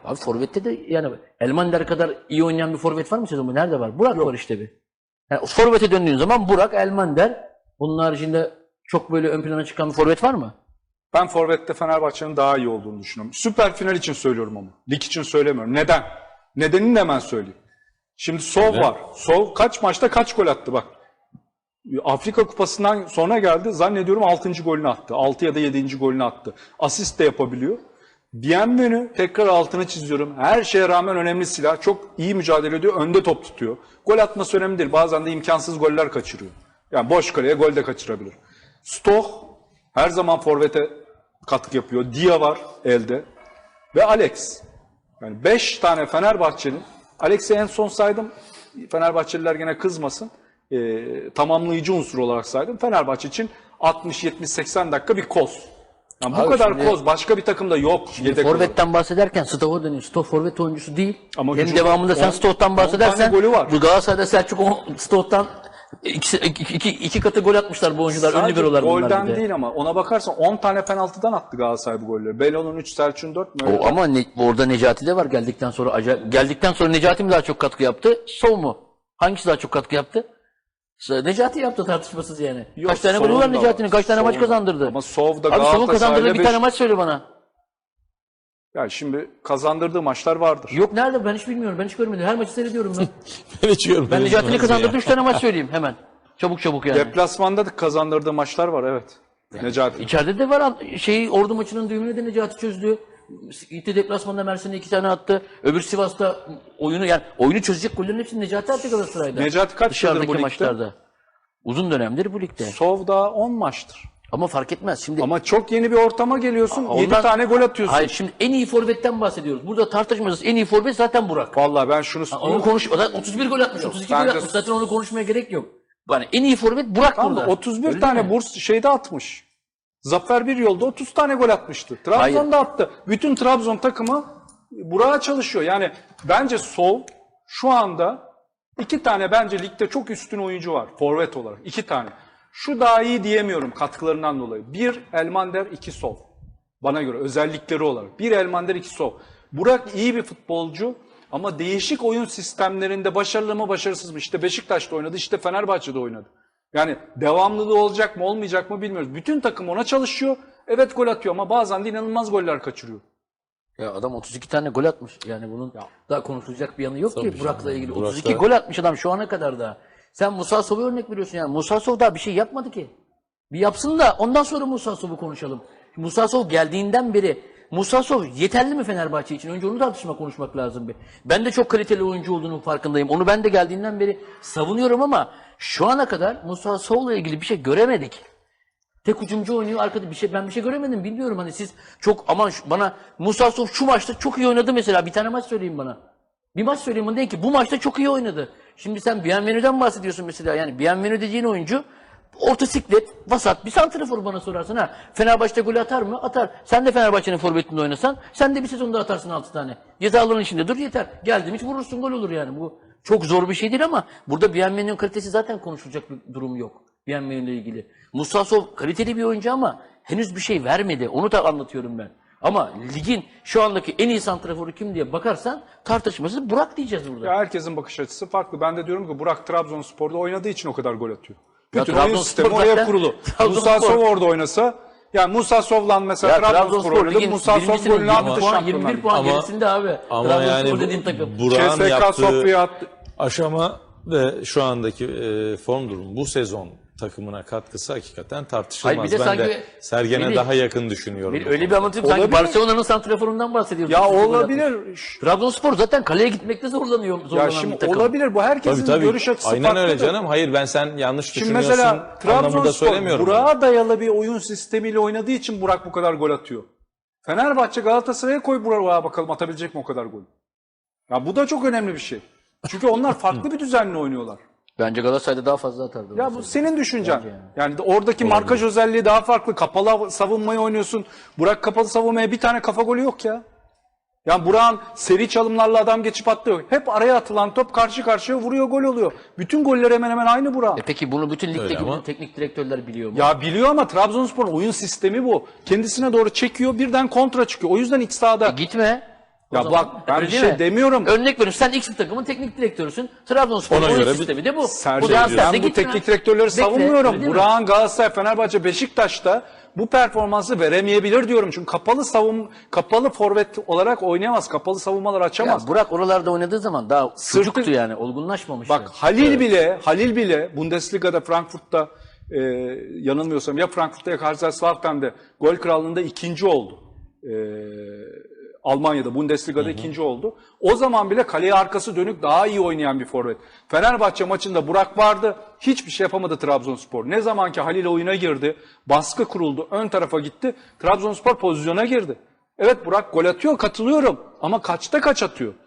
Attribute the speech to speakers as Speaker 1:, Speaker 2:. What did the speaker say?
Speaker 1: Abi forvette de yani Elmander kadar iyi oynayan bir forvet var mı sezonda? Nerede var? Burak var işte bir. Yani forvete döndüğün zaman Burak, Elmander. Bunun haricinde çok böyle ön plana çıkan bir forvet var mı?
Speaker 2: Ben forvette Fenerbahçe'nin daha iyi olduğunu düşünüyorum. Süper final için söylüyorum ama. Lig için söylemiyorum. Neden? Nedenini de hemen söyleyeyim. Şimdi Sov var. Sov kaç maçta kaç gol attı bak. Afrika Kupası'ndan sonra geldi. Zannediyorum 6. golünü attı. 6 ya da 7. golünü attı. Asist de yapabiliyor. Bienvenu tekrar altını çiziyorum. Her şeye rağmen önemli silah. Çok iyi mücadele ediyor. Önde top tutuyor. Gol atması önemli değil. Bazen de imkansız goller kaçırıyor. Yani boş kaleye gol de kaçırabilir. Stoh her zaman forvete katkı yapıyor. Dia var elde. Ve Alex. Yani 5 tane Fenerbahçe'nin, Alex'i en son saydım. Fenerbahçeliler gene kızmasın. Tamamlayıcı unsur olarak saydım. Fenerbahçe için 60, 70, 80 dakika bir koz. Yani bu
Speaker 1: Abi
Speaker 2: kadar
Speaker 1: şimdi-
Speaker 2: koz başka bir takımda yok. Yedek olarak.
Speaker 1: Forvet'ten bahsederken Stoh'a dönüyor. Stoh forvet oyuncusu değil.
Speaker 2: Ama
Speaker 1: Hem
Speaker 2: hücum-
Speaker 1: devamında sen
Speaker 2: on-
Speaker 1: Stoh'tan
Speaker 2: 10
Speaker 1: bahsedersen
Speaker 2: tane golü var.
Speaker 1: bu Galatasaray'da Selçuk Stoh'tan iki katı gol atmışlar bu oyuncular. Ünlü
Speaker 2: Sadece
Speaker 1: bir bunlar
Speaker 2: golden
Speaker 1: bir de.
Speaker 2: değil ama ona bakarsan 10 tane penaltıdan attı Galatasaray bu golleri. Belo'nun 3, Selçuk'un 4 mü?
Speaker 1: O, ama orada Necati de var geldikten sonra. Geldikten sonra Necati mi daha çok katkı yaptı? Sov mu? Hangisi daha çok katkı yaptı? Necati yaptı tartışmasız yani.
Speaker 2: Yok,
Speaker 1: Kaç tane golü
Speaker 2: Sov'un
Speaker 1: var
Speaker 2: da
Speaker 1: Necati'nin?
Speaker 2: var.
Speaker 1: Kaç tane maç
Speaker 2: Sov'un da.
Speaker 1: kazandırdı?
Speaker 2: Ama Sov'da
Speaker 1: Abi Sov'un kazandırdığı bir tane
Speaker 2: Beş-
Speaker 1: maç söyle bana.
Speaker 2: Ya şimdi kazandırdığı maçlar vardır.
Speaker 1: Yok nerede? Ben hiç bilmiyorum. Ben hiç görmedim. Her maçı seyrediyorum ben.
Speaker 3: Ben hiç görmedim.
Speaker 1: Ben Necati'nin
Speaker 3: nasıl
Speaker 1: kazandırdığı
Speaker 3: ya?
Speaker 1: 3 tane maç söyleyeyim hemen. Çabuk yani.
Speaker 2: Deplasmanda da kazandırdığı maçlar var evet. Necati.
Speaker 1: İçeride de var Ordu maçının düğümünü de Necati çözdü. Gitti deplasmanda Mersin'e 2 tane attı. Öbür Sivas'ta oyunu çözecek gollerin hepsini Necati attı Galatasaray'da.
Speaker 2: Necati kaç yıldır
Speaker 1: Dışarıdaki
Speaker 2: bu ligde?
Speaker 1: maçlarda. Uzun dönemdir bu ligde.
Speaker 2: Sov da 10 maçtır.
Speaker 1: Ama fark etmez. Şimdi
Speaker 2: Ama çok yeni bir ortama geliyorsun. 7
Speaker 1: ondan-
Speaker 2: tane gol atıyorsun.
Speaker 1: Hayır şimdi en iyi forvetten bahsediyoruz. Burada tartışmasız en iyi forvet zaten Burak.
Speaker 2: Vallahi ben şunu
Speaker 1: Onu o da 31 gol atmış, 32 gol
Speaker 2: bence-
Speaker 1: atmış. Zaten onu konuşmaya gerek yok. Yani en iyi forvet Burak
Speaker 2: Tamam da
Speaker 1: burada.
Speaker 2: 31
Speaker 1: Öyle
Speaker 2: tane
Speaker 1: değil mi?
Speaker 2: burs şeyde atmış. Zafer bir yolda 30 tane gol atmıştı. Trabzon'da attı. Bütün Trabzon takımı Burak'a çalışıyor. Yani bence Sov şu anda 2 tane bence ligde çok üstün oyuncu var. Forvet olarak 2 tane. Şu daha iyi diyemiyorum katkılarından dolayı. 1 Elmander, 2 Sov. Bana göre özellikleri olarak. 1 Elmander, 2 Sov. Burak iyi bir futbolcu ama değişik oyun sistemlerinde başarılı mı başarısız mı? İşte Beşiktaş'ta oynadı, işte Fenerbahçe'de oynadı. Yani devamlılığı olacak mı olmayacak mı bilmiyoruz. Bütün takım ona çalışıyor. Evet gol atıyor ama bazen de inanılmaz goller kaçırıyor.
Speaker 1: Ya adam 32 tane gol atmış. Yani bunun daha konuşulacak bir yanı yok ki Burak'la ilgili.
Speaker 3: Burak
Speaker 1: 32
Speaker 3: da-
Speaker 1: gol atmış adam şu ana kadar da. Sen Musa Sov'a örnek veriyorsun yani. Musa Sov daha bir şey yapmadı ki. Bir yapsın da ondan sonra Musa Sov'u konuşalım. Musa Sov geldiğinden beri Musa Sov yeterli mi Fenerbahçe için? Önce onu konuşmak lazım bir. Ben de çok kaliteli oyuncu olduğunun farkındayım. Onu ben de geldiğinden beri savunuyorum ama şu ana kadar Musa Sov'la ilgili bir şey göremedik. Tek hücumcu oynuyor arkada ben bir şey göremedim bilmiyorum hani siz çok aman bana Musa Sov şu maçta çok iyi oynadı mesela bir tane maç söyleyin bana. Bir maç söyleyeyim bana deyin ki bu maçta çok iyi oynadı. Şimdi sen Bienvenu'dan bahsediyorsun mesela yani Bienvenu dediğin oyuncu orta siklet, vasat bir santrafor bana sorarsan ha. Fenerbahçe'de gol atar mı? Atar. Sen de Fenerbahçe'nin forvetinde oynasan sen de bir sezonda atarsın 6 tane. Cezaların içinde dur yeter. Geldim hiç vurursun gol olur yani. Bu çok zor bir şey değil ama burada Bienvenu'nun kalitesi zaten konuşulacak bir durum yok. Bienvenu ile ilgili. Musa Sov kaliteli bir oyuncu ama henüz bir şey vermedi. Onu da anlatıyorum ben. Ama ligin şu andaki en iyi santraforu kim diye bakarsan tartışmasız Burak diyeceğiz burada.
Speaker 2: Ya herkesin bakış açısı farklı. Ben de diyorum ki Burak Trabzonspor'da oynadığı için o kadar gol atıyor.
Speaker 1: Ya
Speaker 2: Bütün oyun
Speaker 1: Trabzonspor
Speaker 2: sistemi oraya
Speaker 1: zaten-
Speaker 2: kurulu.
Speaker 1: Trabzonspor-
Speaker 2: Musa Sov orada oynasa, yani Musa Sov'la mesela Trabzonspor oynadı.
Speaker 1: ligin
Speaker 2: Musa Sov
Speaker 1: birincisinin
Speaker 2: golünü
Speaker 1: 20
Speaker 2: attı
Speaker 1: puan,
Speaker 2: Şampiyonlar
Speaker 1: 21 puan
Speaker 3: Ama-
Speaker 1: gerisinde abi.
Speaker 3: Ama
Speaker 1: Trabzonspor
Speaker 3: yani
Speaker 1: dediğin takım.
Speaker 3: Burak'ın
Speaker 2: CSK
Speaker 3: yaptığı
Speaker 2: Sofya'ya attı.
Speaker 3: aşama ve şu andaki form durumu bu sezon takımına katkısı hakikaten tartışılmaz.
Speaker 1: Hayır, bir de
Speaker 3: Ben
Speaker 1: sanki
Speaker 3: de Sergen'e
Speaker 1: Melih,
Speaker 3: daha yakın düşünüyorum. bu
Speaker 1: Öyle bir
Speaker 3: konuda.
Speaker 1: anlatayım sanki
Speaker 2: Olabilir.
Speaker 1: Barcelona'nın santraforundan bahsediyoruz.
Speaker 2: Ya
Speaker 1: Gol atmış.
Speaker 2: olabilir.
Speaker 1: Trabzonspor zaten kaleye gitmekte
Speaker 2: Ya
Speaker 1: zorlanan
Speaker 2: şimdi
Speaker 1: bir takım.
Speaker 2: olabilir. Bu herkesin
Speaker 3: Tabii.
Speaker 2: görüş açısı
Speaker 3: Aynen
Speaker 2: farklıdır.
Speaker 3: öyle canım. Hayır ben sen yanlış
Speaker 2: Şimdi
Speaker 3: düşünüyorsun
Speaker 2: mesela
Speaker 3: anlamında
Speaker 2: Trabzonspor
Speaker 3: söylemiyorum.
Speaker 2: Burak'a dayalı bir oyun sistemiyle oynadığı için Burak bu kadar gol atıyor. Fenerbahçe Galatasaray'a koy Burak'a bakalım atabilecek mi o kadar gol. Ya bu da çok önemli bir şey. Çünkü onlar farklı bir düzenle oynuyorlar.
Speaker 1: Bence Galatasaray'da daha fazla atardı.
Speaker 2: Ya bu senin düşüncen. Yani oradaki markaj özelliği daha farklı. Kapalı savunmayı oynuyorsun. Burak kapalı savunmaya bir tane kafa golü yok ya. Yani Burak'ın seri çalımlarla adam geçip atlıyor. Hep araya atılan top karşı karşıya vuruyor, gol oluyor. Bütün goller hemen hemen aynı Burak.
Speaker 1: Peki bunu bütün ligdeki
Speaker 3: ama-
Speaker 1: bütün teknik direktörler biliyor mu?
Speaker 2: Ya biliyor ama Trabzonspor'un oyun sistemi bu. Kendisine doğru çekiyor, birden kontra çıkıyor. O yüzden iç sahada
Speaker 1: Gitme. O
Speaker 2: Ya
Speaker 1: zaman.
Speaker 2: bak ben
Speaker 1: Öyle
Speaker 2: bir
Speaker 1: değil
Speaker 2: şey
Speaker 1: mi?
Speaker 2: demiyorum.
Speaker 1: Örnek veriyorum. Sen X bir takımın teknik direktörüsün. Trabzonspor'un
Speaker 3: Ona
Speaker 1: oyun
Speaker 3: göre
Speaker 1: sistemi de bu.
Speaker 2: Sercan,
Speaker 1: transferde
Speaker 2: ben bu
Speaker 1: gitme.
Speaker 2: teknik direktörleri
Speaker 1: Bekle, öyle
Speaker 2: savunmuyorum.
Speaker 1: değil mi?
Speaker 2: Burak'ın Galatasaray, Fenerbahçe, Beşiktaş'ta bu performansı veremeyebilir diyorum. Çünkü kapalı forvet olarak oynayamaz. Kapalı savunmalar
Speaker 1: Ya
Speaker 2: açamaz.
Speaker 1: Burak oralarda oynadığı zaman daha çocuktu yani. Olgunlaşmamıştı.
Speaker 2: Bak Halil bile Bundesliga'da Frankfurt'ta yanılmıyorsam ya Frankfurt'ta ya Kaiserslautern'de gol krallığında ikinci oldu. Almanya'da Bundesliga'da ikinci oldu. O zaman bile kaleye arkası dönük daha iyi oynayan bir forvet. Fenerbahçe maçında Burak vardı. Hiçbir şey yapamadı Trabzonspor. Ne zaman ki Halil oyuna girdi, baskı kuruldu, ön tarafa gitti. Trabzonspor pozisyona girdi. Evet Burak gol atıyor, katılıyorum. Ama kaçta kaç atıyor?